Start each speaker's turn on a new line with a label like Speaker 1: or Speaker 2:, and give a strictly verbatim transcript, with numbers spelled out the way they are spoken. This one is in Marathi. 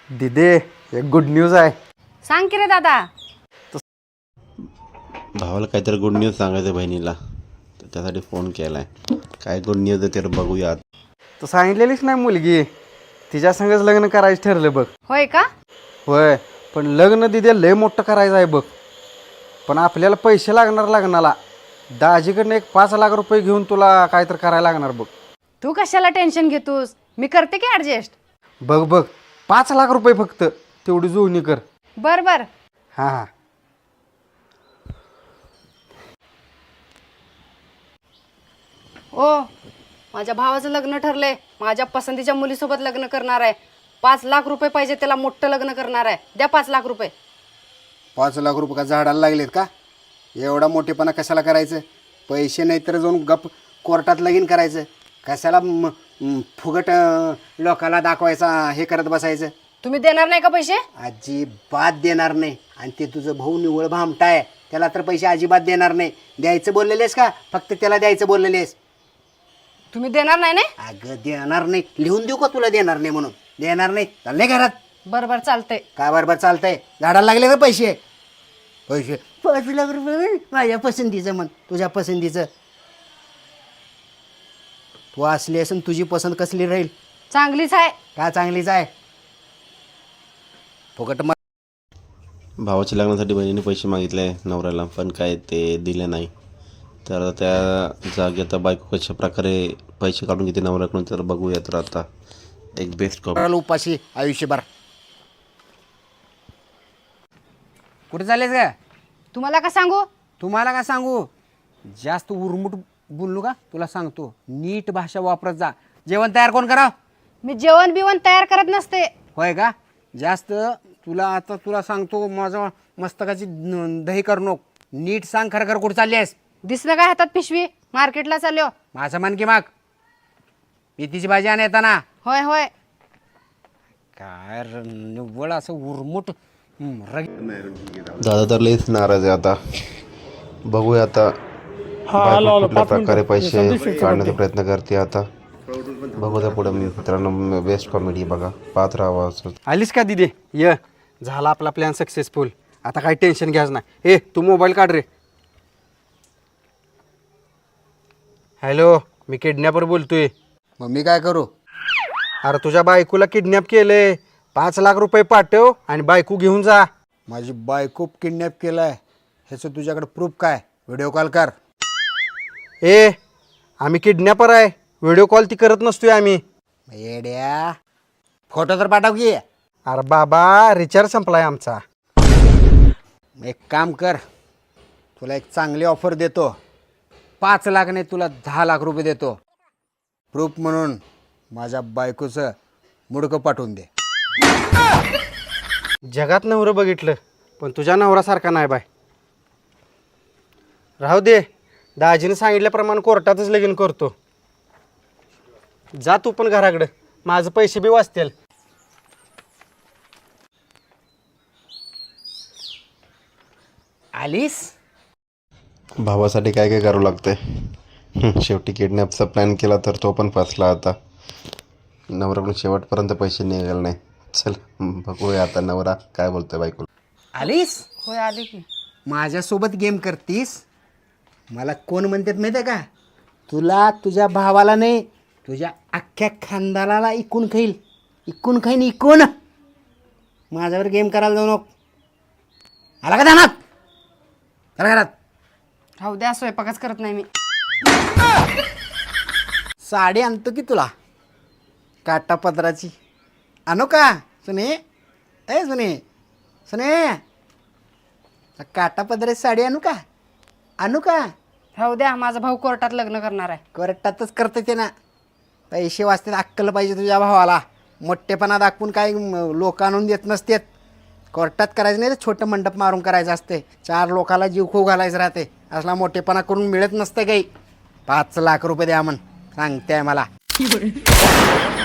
Speaker 1: दिदे एक गुड न्यूज आहे.
Speaker 2: सांग की रे दादा.
Speaker 3: भावाला काहीतरी गुड न्यूज सांगायचं बहिणीला, तर त्यासाठी फोन केला आहे. काय गुड न्यूज आहे ते बघूयात.
Speaker 1: तू सांगितलेलीच नाही मुलगी, तिच्या संगच लग्न करायचं ठरलं बघ.
Speaker 2: होय का?
Speaker 1: होय, पण लग्न दिदे लय मोठं करायचं आहे बघ. पण आपल्याला पैसे लागणार लग्नाला. दाजीकडनं एक पाच लाख रुपये घेऊन तुला काहीतरी करायला लागणार बघ.
Speaker 2: तू कशाला टेन्शन घेतोस, मी करते की ऍडजस्ट.
Speaker 1: बघ बघ पाच लाख रुपये फक्त, तेवढी जुळणी कर.
Speaker 2: बर बर.
Speaker 1: हां हां.
Speaker 2: ओ, माझ्या भावाचं लग्न ठरलंय. माझ्या पसंतीच्या मुलीसोबत लग्न करणार आहे. पाच लाख रुपये पाहिजे, त्याला मोठं लग्न करणार आहे. द्या पाच लाख रुपये.
Speaker 4: पाच लाख रुपये का झाडाला लागलेत का? एवढा मोठेपणा कशाला करायचं? पैसे नाही तर जाऊन गप कोर्टात लगीन करायचं. कशाला म- म- फुगट अं, लोकाला दाखवायचा हे करत बसायचं?
Speaker 2: तुम्ही देणार नाही का पैसे?
Speaker 4: अजिबात देणार नाही. आणि ते तुझं भाऊ निवळ भामटा आहे, त्याला तर पैसे अजिबात देणार नाही. द्यायचं बोललेलेस का? फक्त त्याला द्यायचं बोललेलेस?
Speaker 2: तुम्ही देणार नाही ना?
Speaker 4: अगं देणार नाही. लिहून देऊ का तुला देणार नाही म्हणून? देणार नाही. चालले घरात.
Speaker 2: बर बर चालतंय.
Speaker 4: काय बरोबर चालतंय? झाडाला लागले का पैसे? पैसे पाच लाख रुपये माझ्या पसंतीचं म्हण, तुझ्या पसंतीचं. तू असली असून तुझी पसंत कसली राहील?
Speaker 2: चांगलीच आहे.
Speaker 4: का चांगलीच आहे? फुकट मा
Speaker 3: भावाच्या लग्नासाठी बहिणीने पैसे मागितले नवऱ्याला, पण काय ते दिले नाही. तर त्या जागी आता बायको कशा प्रकारे पैसे काढून घेते नवऱ्याकडून, तर बघूया. तर आता एक बेस्ट कॉपी.
Speaker 4: करायला उपाशी आयुष्यभर. कुठे चाललेस का?
Speaker 2: तुम्हाला का सांगू?
Speaker 4: तुम्हाला का सांगू? जास्त उरमुट बोललो का तुला सांगतो, नीट भाषा वापरत जा. जेवण तयार कोण करा?
Speaker 2: मी जेवण बिवण तयार करत नसते.
Speaker 4: होय का? जास्त तुला आता तुला सांगतो, माझं मस्तकाची न- दही करू नको. नीट सांग खरं खरं कुठं चालली आहेस?
Speaker 2: दिसलं काय हातात पिशवी? मार्केटला चाललो.
Speaker 4: माझं मन की माग मेथीची भाजी आण येताना.
Speaker 2: होय होय.
Speaker 4: काय र- निव्वळ असं उरमुट हं, रग
Speaker 3: दादा तर लईच नाराज आहे आता. बघूया आता बायको कुठल्या प्रकारे पैसे काढण्याचा प्रयत्न करते आता. बघू द्या पुढे मित्रांनो. बेस्ट कॉमेडी बघा, पाहत राहावं असं.
Speaker 1: आलीस का दिदे? ये, झाला आपला प्लॅन सक्सेसफुल. आता काही टेन्शन घ्यायचं नाही. ए तू मोबाईल काढ रे. हॅलो, मी किडनॅपर बोलतोय.
Speaker 4: मग मी काय करू?
Speaker 1: अरे तुझ्या बायकोला किडनॅप केलंय. पाच लाख रुपये पाठव आणि बायको घेऊन जा.
Speaker 4: माझी बायको किडनॅप केलाय ह्याचं तुझ्याकडे प्रूफ काय? व्हिडिओ कॉल कर.
Speaker 1: ए आम्ही किडनॅपर आहे, व्हिडिओ कॉल ती करत नसतोय आम्ही.
Speaker 4: येड्या, फोटो तर पाठव की.
Speaker 1: अरे बाबा रिचार्ज संपलाय आमचा.
Speaker 4: एक काम कर, तुला एक चांगली ऑफर देतो. पाच लाख नाही, तुला दहा लाख रुपये देतो. प्रूफ म्हणून माझ्या बायकोचं मुडकं पाठवून दे.
Speaker 1: जगात नवरं बघितलं, पण तुझ्या नवऱ्यासारखा नाही बाय. राहू दे, दाजीने सांगितल्याप्रमाणे कोर्टातच लगीन करतो. जा तू पण घराकडं, माझं पैसे बी वाचतील.
Speaker 4: आलीस?
Speaker 3: भावासाठी काय काय करावं लागतंय. हं, शेवटी किडनॅपचा प्लॅन केला तर तो पण फसला आता. नवऱ्याकडून शेवटपर्यंत पैसे निघाले नाही. चल बघूया आता नवरा काय बोलतोय बायको.
Speaker 4: आलीस?
Speaker 2: होय आले की.
Speaker 4: माझ्यासोबत गेम करतीस? मला कोण म्हणतात माहिती आहे का? तुला तुझ्या भावाला नाही, तुझ्या अख्ख्या खानदानाला इकून खाईल. इकून खाईन इकून. माझ्यावर गेम करायला जाऊ नको. आला का ध्यानात? चला घरात.
Speaker 2: राहू द्या, स्वयंपाकच करत नाही मी.
Speaker 4: साडी आणतो की तुला काटा पदराची. आणू का सुने? ए सुने, सुने, काटा पदराची साडी आणू का? आणू का?
Speaker 2: राहू द्या, माझा भाऊ कोर्टात लग्न करणार आहे.
Speaker 4: कोर्टातच करते ते ना. पैसे वाचतात, अक्कल पाहिजे तुझ्या भावाला. मोठेपणा दाखवून काही लोक आणून देत नसतेत. कोर्टात करायचं नाही तर छोटं मंडप मारून करायचं असते. चार लोकाला जीव खो घालायचं राहते. असला मोठेपणा करून मिळत नसतं काही. पाच लाख रुपये द्या म्हण सांगते मला.